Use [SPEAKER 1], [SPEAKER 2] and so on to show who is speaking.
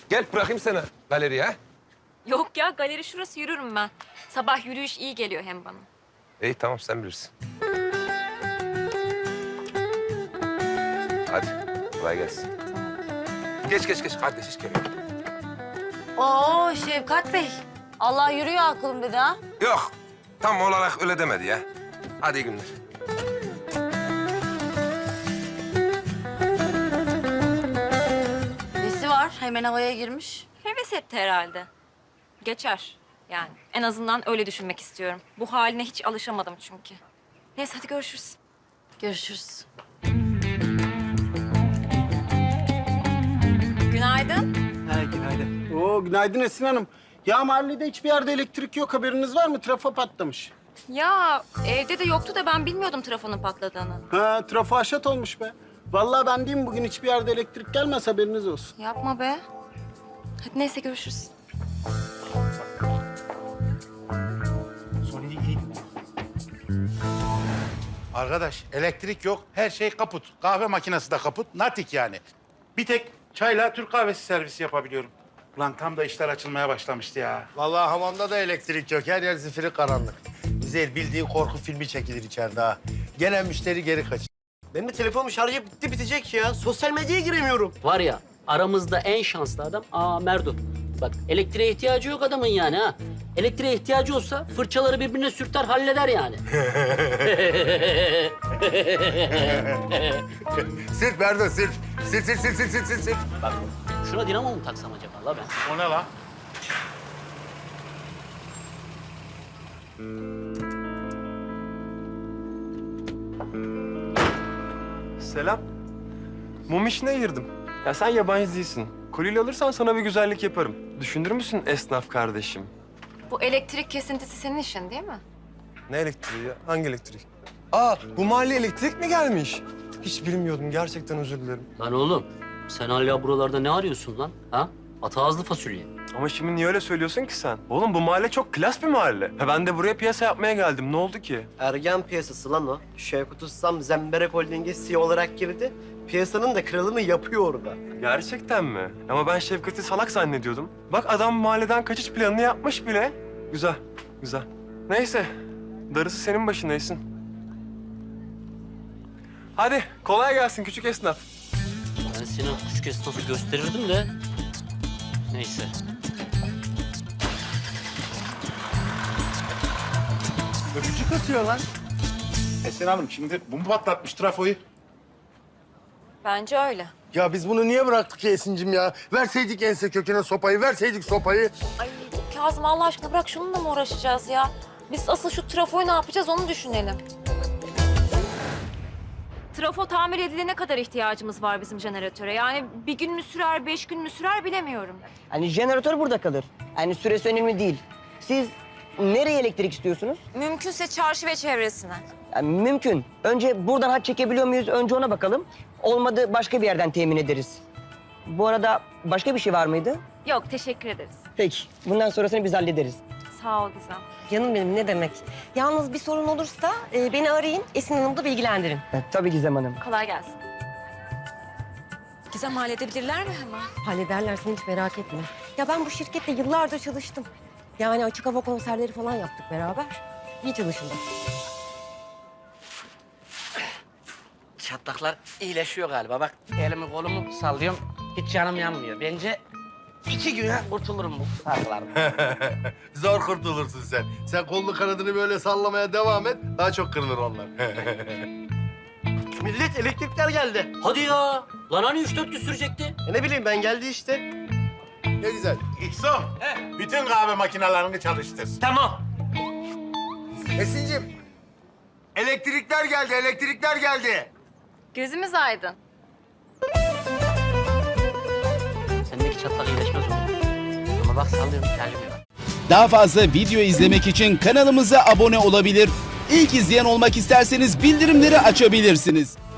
[SPEAKER 1] Gel bırakayım seni galeriye ha.
[SPEAKER 2] Yok ya, galeri şurası, yürürüm ben. Sabah yürüyüş iyi geliyor hem bana.
[SPEAKER 1] İyi tamam sen bilirsin. Hadi kolay gelsin. Geç kardeş hiç gerek yok.
[SPEAKER 3] Oo Şevkat Bey. Allah yürüyor aklım dedi ha.
[SPEAKER 1] Yok tam olarak öyle demedi ya. Hadi iyi günler.
[SPEAKER 3] Nesi var? Hemen havaya girmiş.
[SPEAKER 2] Heves etti herhalde. Geçer yani. En azından öyle düşünmek istiyorum. Bu haline hiç alışamadım çünkü. Neyse hadi görüşürüz.
[SPEAKER 3] Görüşürüz.
[SPEAKER 2] Günaydın.
[SPEAKER 4] Ha, günaydın. Oo, günaydın Esin Hanım. Ya mahallede hiçbir yerde elektrik yok. Haberiniz var mı? Trafo patlamış.
[SPEAKER 2] Ya evde de yoktu da ben bilmiyordum trafonun patladığını.
[SPEAKER 4] Ha, trafo haşat olmuş be. Vallahi ben diyeyim bugün hiçbir yerde elektrik gelmez haberiniz olsun.
[SPEAKER 2] Yapma be. Hadi neyse görüşürüz.
[SPEAKER 5] Arkadaş elektrik yok, her şey kaput. Kahve makinesi de kaput, natik yani. Bir tek çayla Türk kahvesi servisi yapabiliyorum. Ulan tam da işler açılmaya başlamıştı ya.
[SPEAKER 6] Vallahi hamamda da elektrik yok. Her yer zifiri karanlık. Güzel bildiğin korku filmi çekilir içeride ha. Gelen müşteri geri kaçır.
[SPEAKER 7] Benim de telefonum şarjı bitti bitecek ya. Sosyal medyaya giremiyorum.
[SPEAKER 8] Var ya aramızda en şanslı adam Merdo. Bak elektriğe ihtiyacı yok adamın yani ha. Elektriğe ihtiyacı olsa fırçaları birbirine sürter halleder yani.
[SPEAKER 6] Sür Berdo sür. Sür.
[SPEAKER 8] Bak şuna dinamo mu taksam acaba la ben?
[SPEAKER 5] O ne la?
[SPEAKER 9] Selam. Mum işine girdim. Ya sen yabancı değilsin. Kolye alırsan sana bir güzellik yaparım. Düşünür müsün esnaf kardeşim?
[SPEAKER 2] Bu elektrik kesintisi senin işin değil mi?
[SPEAKER 9] Ne elektriği ya? Hangi elektrik? Bu mahalle elektrik mi gelmiş? Hiç bilmiyordum. Gerçekten özür dilerim.
[SPEAKER 8] Lan oğlum sen hala buralarda ne arıyorsun lan? Ha? Ata ağızlı fasulye.
[SPEAKER 9] Ama şimdi niye öyle söylüyorsun ki sen? Oğlum bu mahalle çok klas bir mahalle. Ben de buraya piyasa yapmaya geldim. Ne oldu ki?
[SPEAKER 7] Ergen piyasası lan o. Şevkut Ustam Zemberek Holding'e CEO olarak girdi. Piyasanın da kralını yapıyor orada.
[SPEAKER 9] Gerçekten mi? Ama ben Şevkat'i salak zannediyordum. Bak adam mahalleden kaçış planını yapmış bile. Güzel. Neyse, darısı senin başına Esin. Hadi kolay gelsin küçük esnaf.
[SPEAKER 8] Ben seni küçük esnafı gösterirdim de. Neyse.
[SPEAKER 5] Öpücük atıyor lan. Esin Hanım şimdi bu mu patlatmış trafoyu?
[SPEAKER 2] Bence öyle.
[SPEAKER 6] Ya biz bunu niye bıraktık ya Esin'cim ya? Verseydik ense köküne sopayı, verseydik sopayı.
[SPEAKER 2] Ay Kazım Allah aşkına bırak şununla mı uğraşacağız ya? Biz asıl şu trafoyu ne yapacağız onu düşünelim. Trafo tamir edilene kadar ihtiyacımız var bizim jeneratöre. Yani bir gün mü sürer, 5 gün mü sürer bilemiyorum.
[SPEAKER 10] Hani jeneratör burada kalır. Yani süresi önemli değil. Siz nereye elektrik istiyorsunuz?
[SPEAKER 2] Mümkünse çarşı ve çevresine.
[SPEAKER 10] Yani mümkün. Önce buradan hat çekebiliyor muyuz? Önce ona bakalım. Olmadı başka bir yerden temin ederiz. Bu arada başka bir şey var mıydı?
[SPEAKER 2] Yok teşekkür ederiz.
[SPEAKER 10] Peki. Bundan sonrasını biz hallederiz.
[SPEAKER 2] Sağ ol Gizem.
[SPEAKER 3] Canım benim ne demek. Yalnız bir sorun olursa beni arayın. Esin Hanım'ı da bilgilendirin.
[SPEAKER 10] Tabii Gizem Hanım.
[SPEAKER 2] Kolay gelsin. Gizem halledebilirler mi hemen?
[SPEAKER 3] Hallederler sen hiç merak etme. Ya ben bu şirkette yıllardır çalıştım. Yani açık hava konserleri falan yaptık beraber. İyi çalışıldı.
[SPEAKER 8] Çatlaklar iyileşiyor galiba. Bak elimi kolumu sallıyorum. Hiç canım yanmıyor. Bence 2 güne kurtulurum bu sargılardan.
[SPEAKER 6] Zor kurtulursun sen. Sen kolunu kanadını böyle sallamaya devam et. Daha çok kırılır onlar.
[SPEAKER 7] Millet elektrikler geldi.
[SPEAKER 8] Hadi ya. Lan hani 3-4 gün sürecekti?
[SPEAKER 7] Ne bileyim ben geldi işte.
[SPEAKER 6] Ne güzel.
[SPEAKER 5] İhsan, bütün kahve makinelerini çalıştır.
[SPEAKER 8] Tamam.
[SPEAKER 6] Esin'cim, elektrikler geldi.
[SPEAKER 2] Gözümüz aydın.
[SPEAKER 8] Sendeki çatlak iyileşmez oğlum. Ama bak sallıyorum gelmiyor.
[SPEAKER 11] Daha fazla video izlemek için kanalımıza abone olabilir. İlk izleyen olmak isterseniz bildirimleri açabilirsiniz.